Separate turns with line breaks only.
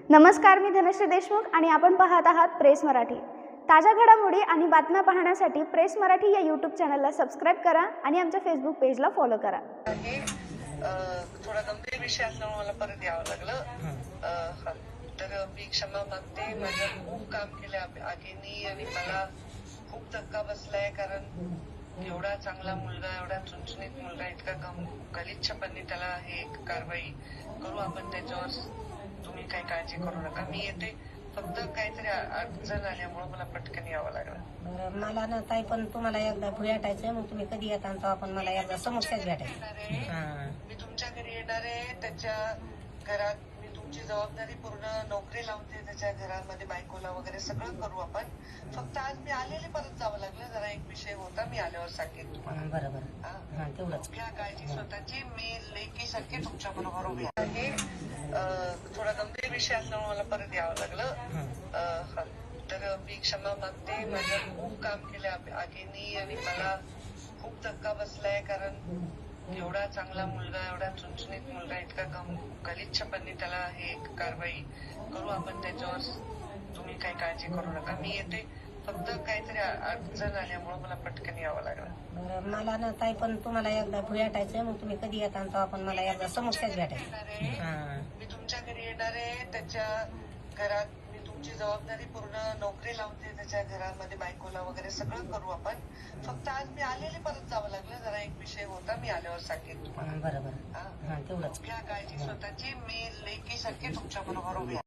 नमस्कार, मी धनश्री देशमुख आणि आपण पाहत आहात प्रेस मराठी। ताज्या घडामोडी आणि बातम्या पाहण्यासाठी प्रेस मराठी या यूट्यूब चॅनलला सबस्क्राइब करा आणि आमच्या फेसबुक पेजला फॉलो करा।
थोडा गंभीर विषय असल्यामुळे मला परत यावं लागलं। तर मी क्षमा मागते। माझं खूप काम केलं आगीनी आणि मला खूप धक्का बसलाय, कारण एवढा चांगला मुलगा, एवढा चुनचुनीत मुलगा इतका गलिच्छपणे त्याला हे कारवाई करू आपण त्याच्यावर। तुम्ही काही काळजी करू नका, मी येते। फक्त काहीतरी अडचण आल्यामुळे मला पटकन यावं लागलं।
मला ना ताई, पण तुम्हाला एकदा भेटायचंय, मग तुम्ही कधी येता तो आपण मला एकदा समस्याच भेटायचं।
मी तुमच्या घरी येणार आहे, त्याच्या घरात मी तुमची जबाबदारी पूर्ण नोकरी लावते, त्याच्या घरामध्ये बायकोला वगैरे सगळं करू आपण। फक्त आज मी आलेले परत जावं लागलं, जरा एक विषय होता, मी आल्यावर सांगेन तुम्हाला।
बरोबर, तेवढंच
घ्या काळजी स्वतःची। मी लेकीसारखी तुमच्या बरोबर उभी आहे। थोडा गंभीर विषय असल्यामुळे मला परत यावं लागलं। तर मी क्षमा मागते। माझं खूप काम केलं आगीनी आणि मला खूप धक्का बसलाय, कारण एवढा चांगला मुलगा, एवढा चुनचुनीत मुलगा इतका गलिच्छपणे त्याला हे कारवाई करू आपण त्याच्यावर। तुम्ही काही काळजी करू नका, मी येते। फक्त काहीतरी अडचण आल्यामुळे मला पटकन यावं लागलं।
मला ना ताई, पण तुम्हाला एकदा भेटायचंय, मग तुम्ही कधी येता तो आपण मला एकदा समस्याच भेटायचं।
मी तुमच्या घरी येणार आहे, त्याच्या घरात मी तुमची जबाबदारी पूर्ण नोकरी लावते, त्याच्या घरामध्ये बायकोला वगैरे सगळं करू आपण। फक्त आज मी आलेले परत जावं लागलं, जरा एक विषय होता, मी आल्यावर सांगेन तुम्हाला।
बरोबर, तेवढंच
घ्या काळजी स्वतःची। मी लेकीसारखी तुमच्या बरोबर उभी आहे।